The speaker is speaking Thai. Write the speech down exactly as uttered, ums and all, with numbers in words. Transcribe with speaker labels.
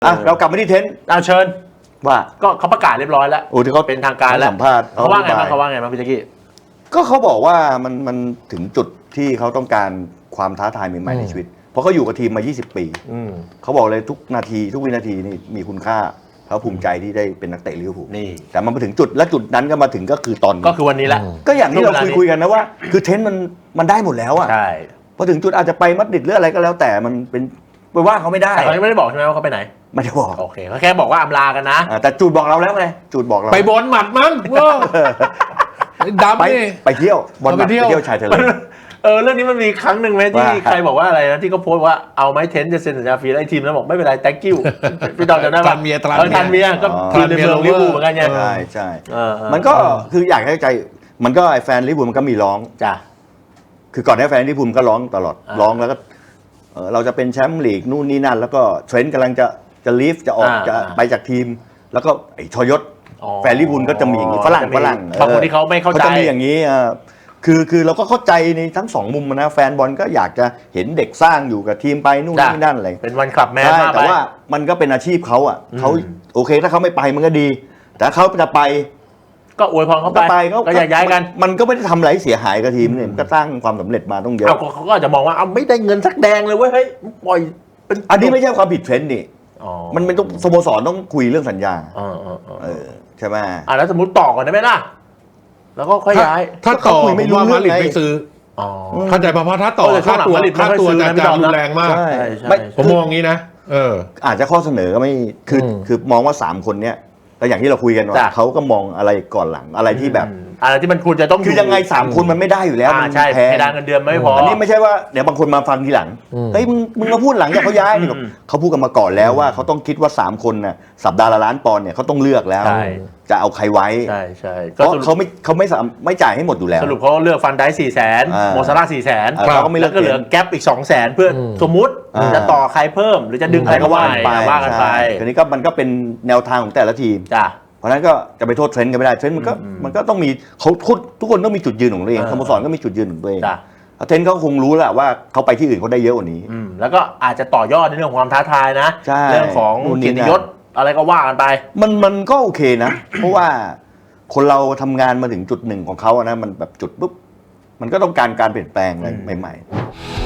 Speaker 1: อ่ะเรากลับมาที่เทนต์
Speaker 2: เอาเชิญ
Speaker 1: ว่า
Speaker 2: ก็เขาประกาศเรียบร้อยแล้ว
Speaker 1: โอ้ที่เขา
Speaker 2: เป็นทางการแล้ว
Speaker 1: สัมภาษณ์
Speaker 2: เขาว่าไงบ้างเขาว่าไงบ้างพี่แจ๊กกี้
Speaker 1: ก็เขาบอกว่ามันมันถึงจุดที่เขาต้องการความท้าทายใหม่ๆในชีวิตเพราะเขาอยู่กับทีมมายี่สิบปีเขาบอกเลยทุกนาทีทุกวินาทีนี่มีคุณค่าเขาภูมิใจที่ได้เป็นนักเตะลิเวอร์พูล
Speaker 2: นี่
Speaker 1: แต่มันมาถึงจุดและจุดนั้นก็มาถึงก็คือตอน
Speaker 2: ก็คือวันนี้แหละ
Speaker 1: ก็อย่างที่เราคุยคุยกันนะว่าคือเทนต์มันมันได้หมดแล้วอ่ะ
Speaker 2: ใช่
Speaker 1: พอถึงจุดอาจจะไปมัดริดหรืออะไรก็แล้วแต่มันเป็นไปว่าเขาไม่ได้
Speaker 2: แต่เขาไม่ได้บอกใช่ไหมว่าเขาไปไหน
Speaker 1: ไม่ได้บอก
Speaker 2: โอเคเขาแค่บอกว่าอำลากันนะ
Speaker 1: แต่จูดบอกเราแล้วไงจูดบอกเรา
Speaker 3: ไปบอลหมัดมั้งดำ
Speaker 1: ไป
Speaker 3: นี่
Speaker 1: ไปเที่ยวบอลไปเที่ยวชายทะเล
Speaker 2: เออเรื่องนี้มันมีครั้งหนึ่งไหมที่ใครบอกว่าอะไรนะที่เขาโพสต์ว่าเอาไหมเทนจะเซ็นสัญญาฟรีแล้วไอ้ทีมนั้นบอกไม่เป็นไร thank you พี่ดอนจำได้ป่ะ
Speaker 3: ทันเมีย
Speaker 2: ทันเมียก็ทีมในเมืองลิเวอร์พูลเหมือนกันไง
Speaker 1: ใช่ใช่มันก็คืออยากให้ใจมันก็ไอ้แฟนลิเวอร์พูลมันก็มีร้อง
Speaker 2: จ้ะ
Speaker 1: คือก่อนหน้าแฟนลิเวอร์พูลก็ร้องตลอดร้องแล้วก็เราจะเป็นแชมป์ลีกนู่นนี่นั่นแล้วก็เทรนต์กำลังจะจะลีฟจะออกจะไปจากทีมแล้วก็ไอ้ทยศแฟนลิเวอร์พูลก็จะมีอย่างนี้ฝรั่งฝรั่ง
Speaker 2: บางคนที่เขาไม่เข้าใจ
Speaker 1: เขาจะมีอย่างนี้คือคือเราก็เข้าใจในทั้งสองมุมนะแฟนบอลก็อยากจะเห็นเด็กสร้างอยู่กับทีมไปนู่นนี่นั่นอะไร
Speaker 2: เป็นวันคลับแมนมาก
Speaker 1: แต่ว่ามันก็เป็นอาชีพเขาอ่ะเขาโอเคถ้าเขาไม่ไปมันก็ดีแต่เขาจะไป
Speaker 2: ก็อวยพรเขาไปก็อยากย้ายกัน
Speaker 1: มันก็ไม่ได้ทำอะไรเสียหายกับทีมเนี่ยก็สร้างความสำเร็จมาต้องเยอะ
Speaker 2: เขาก็อาจจะมองว่าเอาไม่ได้เงินสักแดงเลยเว้ยเฮ้ยปล่อย
Speaker 1: เป็นอันนี้ไม่ใช่ความผิดเทรนด์นี่มันเป็นต้องสโมสรต้องคุยเรื่องสัญญาเออใช่ไหม
Speaker 2: อ่ะแล้วสมมติต่อก่อนได้ไหมล่ะแล้วก็ค่อยย้าย
Speaker 3: ถ้าต่อไม่รู้มาดริดไม่ซื้อเข้าใจป่ะเพราะถ้าต่อค่าตัวค่าตัวจะจะรุนแรงมากผมมองงี้นะเออ
Speaker 1: อาจจะข้อเสนอก็ไม่คือคือมองว่าสามคนเนี้ยแต่อย่างที่เราคุยกันว่าเขาก็มองอะไรก่อนหลังอะไรที่แบบ
Speaker 2: อะไรที่มันควรจะต้อง
Speaker 1: คือยังไงสามคนมันไม่ได้อยู่แล้ว
Speaker 2: ใช่เพดานเงินเดือนไม่พอ
Speaker 1: อันนี้ไม่ใช่ว่าเดี๋ยวบางคนมาฟังทีหลังเฮ้ยมึงมึงมาพูดหลังจากเขาย้ายเขาพูดกันมาก่อนแล้วว่าเขาต้องคิดว่าสามคนน่ะสัปดาห์ละล้านปอนด์เนี่ยเขาต้องเลือกแล้วจะเอาใครไว้
Speaker 2: ใช่ใช่
Speaker 1: เพราะเขาไม่เขาไม่ไม่จ่ายให้หมดอยู่แล้ว
Speaker 2: สรุปเขาเลือกฟันได้สี่แสนโมซาร่าสี่แสน
Speaker 1: เขาก็ไม่เลื
Speaker 2: อกก็เหลือแก๊ปอีกสองแสนเพื่อสมมุติจะต่อใครเพิ่มหรือจะดึงใครก็ว่าไปว่ากันไป
Speaker 1: ทีนี้ก็มันก็เป็นแนวทางของแต่ละทีม
Speaker 2: จ้ะ
Speaker 1: เพราะนั้นก็จะไปโทษเทรนด์กันไม่ได้เทรนด์มันก็มันก็ต้องมีเขาทุกคนต้องมีจุดยืนของตัวเองสโมสรก็มีจุดยืนของตัวเองเทรนด์เขาคงรู้แหละว่าเขาไปที่อื่นเขาได้เยอะกว่านี้
Speaker 2: แล้วก็อาจจะต่อยอดในเรื่องของความท้าทายนะเรื่องของเกียรติยศอะไรก็ว่ากันไป
Speaker 1: มันมันก็โอเคนะเพราะว่าคนเราทำงานมาถึงจุดหนึ่งของเขานะมันแบบจุดปุ๊บมันก็ต้องการการเปลี่ยนแปลงอะไรใหม่ๆ